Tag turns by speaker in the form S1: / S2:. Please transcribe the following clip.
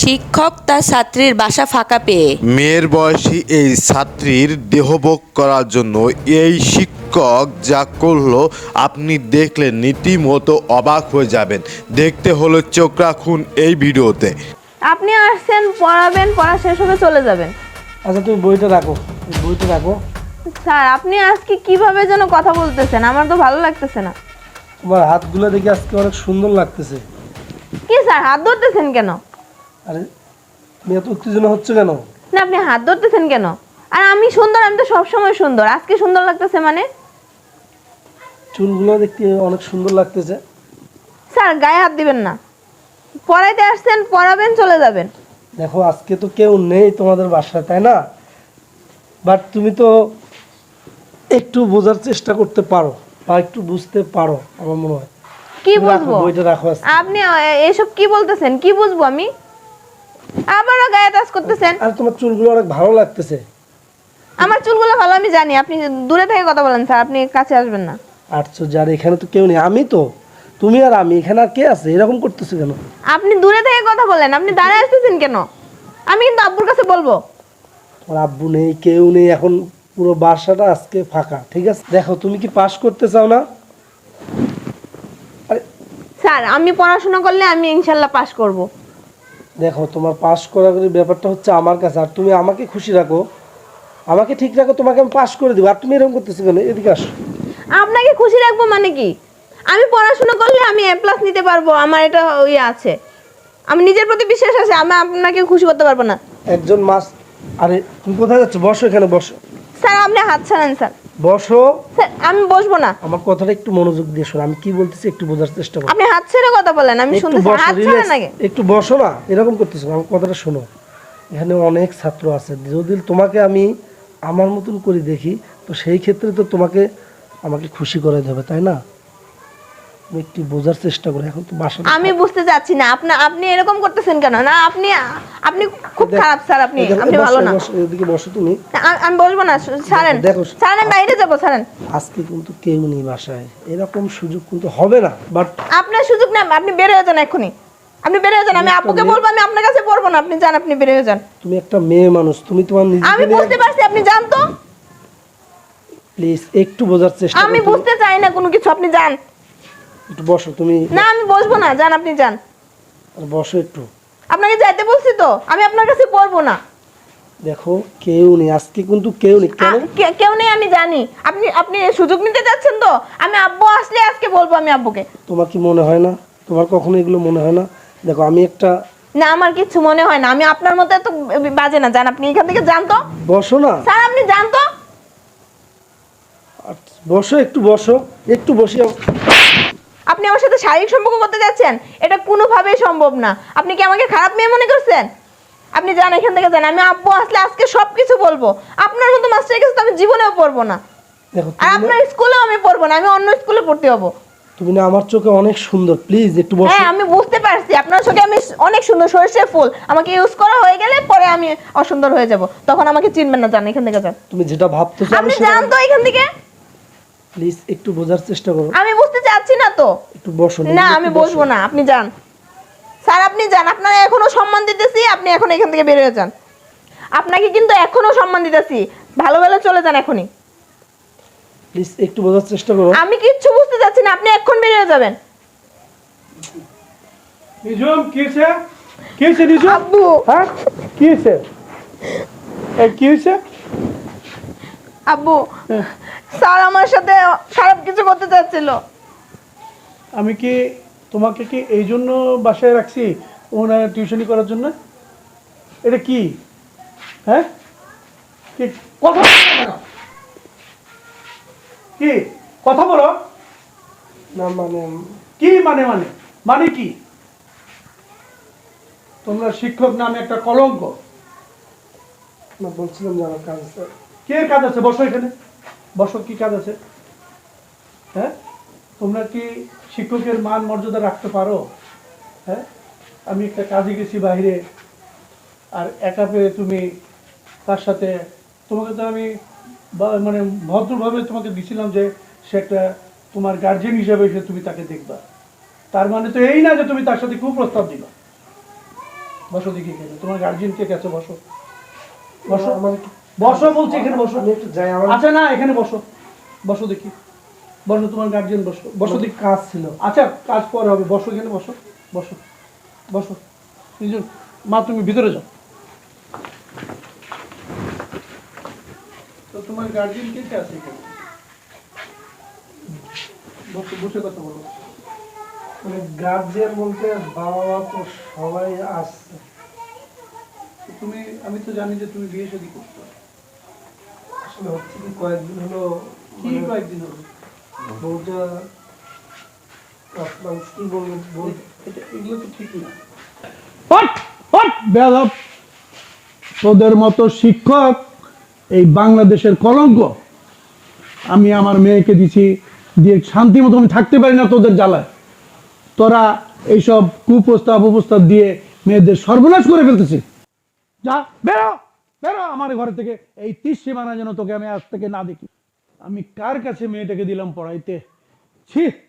S1: শিক্ষক তার ছাত্রীর বাসা ফাঁকা পেয়ে
S2: মেয়ের বয়সী এই ছাত্রীর দেহভোগ করার জন্য এই শিক্ষক যা করলো আপনি দেখলে রীতিমতো অবাক হয়ে যাবেন। দেখতে হলে চোখ রাখুন এই ভিডিওতে।
S3: আপনি আসছেন, পড়াবেন, পড়া শেষ হবে চলে যাবেন।
S4: আচ্ছা তুমি বইটা রাখো, বইটা রাখো।
S3: স্যার আপনি আজকে কিভাবে যেন কথা বলতেছেন, আমার তো ভালো লাগতেছে না।
S4: তোমার হাতগুলো দেখে আজকে অনেক সুন্দর লাগতেছে।
S3: কি স্যার হাত ধরতেছেন কেন?
S4: আরে মেয়ে তো উত্তেজনা হচ্ছে কেন?
S3: না আপনি হাত ধরতেছেন কেন? আর আমি সুন্দর, আমি তো সবসময় সুন্দর, আজকে সুন্দর লাগতেছে মানে?
S4: চুলগুলো দেখতে অনেক সুন্দর লাগতেছে।
S3: স্যার গায়ে হাত দিবেন না, পড়াইতে আসছেন, পড়াবেন, চলে যাবেন।
S4: দেখো আজকে তো কেউ নেই তোমাদের বাসায়, তাই না? বাট তুমি তো একটু বোঝার চেষ্টা করতে পারো বা একটু বুঝতে পারো আমার মনে হয়।
S3: কি
S4: তুমি রাখো,
S3: বুঝবো?
S4: বইটা রাখো আজকে।
S3: আপনি এসব কি বলতেছেন? কি বুঝবো আমি? আবারও গায়ে টাচ করতেছেন।
S4: আর তোমার চুলগুলো অনেক ভালো লাগতেছে।
S3: আমার চুলগুলো ভালো আমি জানি, আপনি দূরে থেকে কথা বলেন স্যার, আপনি কাছে আসবেন না।
S4: আশ্চর্য, আর এখানে তো কেউ নেই, আমি তো, তুমি আর আমি, এখানে আর কে আছে? এরকম করতেছো কেন?
S3: আপনি দূরে থেকে কথা বলেন, আপনি দাঁড়ায় আসতেছেন কেন? আমি কিন্তু আব্বুর কাছে বলবো।
S4: তোমার আব্বু নেই, কেউ নেই, এখন পুরো বাসাটা আজকে ফাঁকা, ঠিক আছে? দেখো তুমি কি পাস করতে চাও না? আরে
S3: স্যার আমি পড়াশোনা করলে আমি ইনশাল্লাহ পাস করব।
S4: দেখো তোমার পাস করার ব্যাপারটা হচ্ছে আমার কাছে, আর তুমি আমাকে খুশি রাখো, আমাকে ঠিক রাখো, তোমাকে আমি পাস করে দেবো। আর তুমি এরকম করতেছো কেন? এদিকে আসো।
S3: আপনাকে খুশি রাখবো মানে কি? আমি পড়াশোনা করলে আমি এ প্লাস নিতে পারবো, আমার এটা ইয়ে আছে, আমি নিজের প্রতি বিশ্বাস আছে, আমি আপনাকে খুশি করতে পারবো না।
S4: একজন মাস, আরে তুমি কোথায় যাচ্ছ? বসো, এখানে বসো।
S3: স্যার আপনি হাত ছাড়েন স্যার।
S4: বসো।
S3: স্যার আমি বসবো না।
S4: আমার কথাটা একটু মনোযোগ দিয়ে শোনো, আমি কি বলতেছি একটু বোঝার চেষ্টা করো।
S3: আপনি হাত ছেড়ে কথা বলেন, আমি
S4: একটু
S3: শুনতেছি।
S4: বসো,
S3: হাত ছাড়েন
S4: রিল্যাক্স,
S3: আগে।
S4: একটু বসো না, এরকম করতেছো। আমার কথাটা শোনো, এখানে অনেক ছাত্র আছে, যদি তোমাকে আমি আমার মতন করে দেখি, তো সেই ক্ষেত্রে তো তোমাকে আমাকে খুশি করে দেবে, তাই না? তুমি একটু বোঝার চেষ্টা করো। এখন তো বাসা,
S3: আমি বুঝতে চাচ্ছি না, আপনি এরকম করতেছেন কেন? না আপনি আপনি খুব খারাপ স্যার, আপনি ভালো না।
S4: এদিকে বসো তুমি।
S3: আমি বলবো না, ছাড়েন।
S4: দেখো,
S3: ছাড়েন, আমি বাইরে যাবো, ছাড়েন।
S4: আজকে কিন্তু কেউ নেই বাসায়, এরকম সুযোগ কিন্তু হবে না। বাট
S3: আপনার সুযোগ না, আপনি বের হয়ে যান এখনই, আপনি বের হয়ে যান। আমি আব্বুকে বলবো আমি আপনার কাছে পড়বো না, আপনি যান, আপনি বের হয়ে যান।
S4: তুমি একটা মেয়ে মানুষ, তুমি তোমার
S3: আমি
S4: নিজেকে
S3: বুঝতে পারছি, আপনি যান তো।
S4: প্লিজ একটু বোঝার চেষ্টা
S3: আমি
S4: করো।
S3: বুঝতে চাই না কোনো কিছু, আপনি যান।
S4: একটু বসো তুমি।
S3: না আমি বসবো না, যান, আপনি যান।
S4: বসো একটু।
S3: আপনাকে যাইতে বলছি তো, আমি আপনার কাছে পড়বো না।
S4: দেখো কেউ নেই আজকে, কিন্তু কেউ নেই। কেন?
S3: কেউ নেই আমি জানি, আপনি সুযোগ নিতে যাচ্ছেন তো। আমি আব্বু আসলে আজকে বলবো আমি আব্বুকে।
S4: তোমার কি মনে হয় না? তোমার কখনো এগুলো মনে হয় না? দেখো আমি একটা,
S3: না আমার কিছু মনে হয় না, আমি আপনার মতো এত বাজে না, যান আপনি এখান থেকে, যান তো।
S4: বসো না।
S3: স্যার আপনি যান তো।
S4: বসো, একটু বসো, একটু বসি।
S3: আপনি আমার সাথে শারীরিক সম্পর্ক করতে যাচ্ছেন, এটা কোনোভাবেই সম্ভব না। আপনি কি আমাকে খারাপ মেয়ে মনে করছেন? আপনি যান এখান থেকে, যান। আমি আব্বু আসলে আজকে সবকিছু বলবো। আপনার মতো মাস্টারের কাছে তো আমি জীবনেও পড়বো না,
S4: দেখো
S3: আর আপনার স্কুলেও আমি পড়বো না, আমি অন্য স্কুলে পড়তে হবো।
S4: তুমি না আমার চোখে অনেক সুন্দর, প্লিজ একটু বসো।
S3: হ্যাঁ আমি বুঝতে পারছি, আপনার চোখে আমি অনেক সুন্দর, সরিষার ফুল। আমাকে ইউজ করা হয়ে গেলে পরে আমি অসুন্দর হয়ে যাব, তখন আমাকে চিনবেন না। যান এখান থেকে, যান।
S4: তুমি যেটা ভাবতেছো
S3: আপনি যান তো এখান থেকে।
S4: প্লিজ একটু বোঝার চেষ্টা করো।
S3: আমি বুঝতে চাচ্ছি না তো।
S4: একটু বসো।
S3: না আমি বসবো না, আপনি যান। স্যার আপনি যান, আপনারা এখনো সম্মান দিতেছি, আপনি এখন এখান থেকে বের হয়ে যান। আপনাকে কিন্তু এখনো সম্মান দিতেছি, ভালো ভালো চলে যান এখনই।
S4: প্লিজ একটু বোঝার চেষ্টা করো।
S3: আমি কিচ্ছু বুঝতে চাচ্ছি না, আপনি এখন বের হয়ে যাবেন।
S4: নিজম কি হইছে? কি হইছে নিজম?
S3: আব্বু।
S4: হ্যাঁ কি হইছে? এই কি হইছে?
S3: আব্বু স্যার আমার সাথে খারাপ কিছু করতে চাচ্ছিল।
S5: আমি কি তোমাকে কি এই জন্য বাসায় রাখছি ওনার টিউশনি করার জন্য? এটা কি? হ্যাঁ কি কথা কি কথা বলো?
S4: না মানে
S5: কি মানে মানে মানে কি? তোমরা শিক্ষক নামে একটা কলঙ্ক।
S4: না বলছিলাম যে আমার কাজ আছে।
S5: কে কাজ আছে? বসো এখানে, বসো। কি কাজ আছে? হ্যাঁ তোমরা কি শিক্ষকের মান মর্যাদা রাখতে পারো? হ্যাঁ আমি একটা কাজে গেছি বাইরে, আর একা পেয়ে তুমি তার সাথে, তোমাকে তো আমি মানে ভদ্রভাবে তোমাকে দিছিলাম যে সে একটা তোমার গার্জিয়ান হিসাবে এসে তুমি তাকে দেখবা, তার মানে তো এই না যে তুমি তার সাথে কুপ্রস্তাব দিবা। বসো দেখি এখানে, তোমার গার্জিয়ান কে গেছে? বসো বসো
S4: আমার
S5: বসো বলছি, এখানে বসো।
S4: আমি একটু যাই, আমার
S5: আচ্ছা না, এখানে বসো, বসো দেখি, বসো, তোমার গার্জিয়ান বসো, বসো দেখি।
S4: কাজ ছিল।
S5: আচ্ছা কাজ পরে হবে, বসো এখানে, বসো বসো বসো। তিনজন, মা তুমি ভিতরে যাও। তো তোমার গার্জিয়ান কে কে আছে এখানে? বসো, বসে কথা বলো।
S4: মানে গার্জিয়ান বলতে বাবা মা তো সবাই আসছে।
S5: তো তুমি, আমি তো জানি যে তুমি বিয়ে শাদী করছো।
S4: আসলে হচ্ছে কি কয়েকদিন হলো
S5: কি কয়েকদিন হবে?
S4: বউটা আসলাম, কি বলবো
S5: এগুলো তো ঠিক না। হট হট বেয়াদব! তোদের মতো শিক্ষক এই বাংলাদেশের কলঙ্ক। আমি আমার মেয়েকে দিছি, দিয়ে শান্তি মতো আমি থাকতে পারি না তোদের জ্বালায়। তোরা এইসব কুপ্রস্তাব উপস্তাব দিয়ে মেয়েদের সর্বনাশ করে ফেলতেছিস। যা, বেরো বেরো আমার ঘর থেকে। এই 30 সীমানা যেন তোকে আমি আজ থেকে না দেখি। আমি কার কাছে মেয়েটাকে দিলাম পড়াইতে? ছি!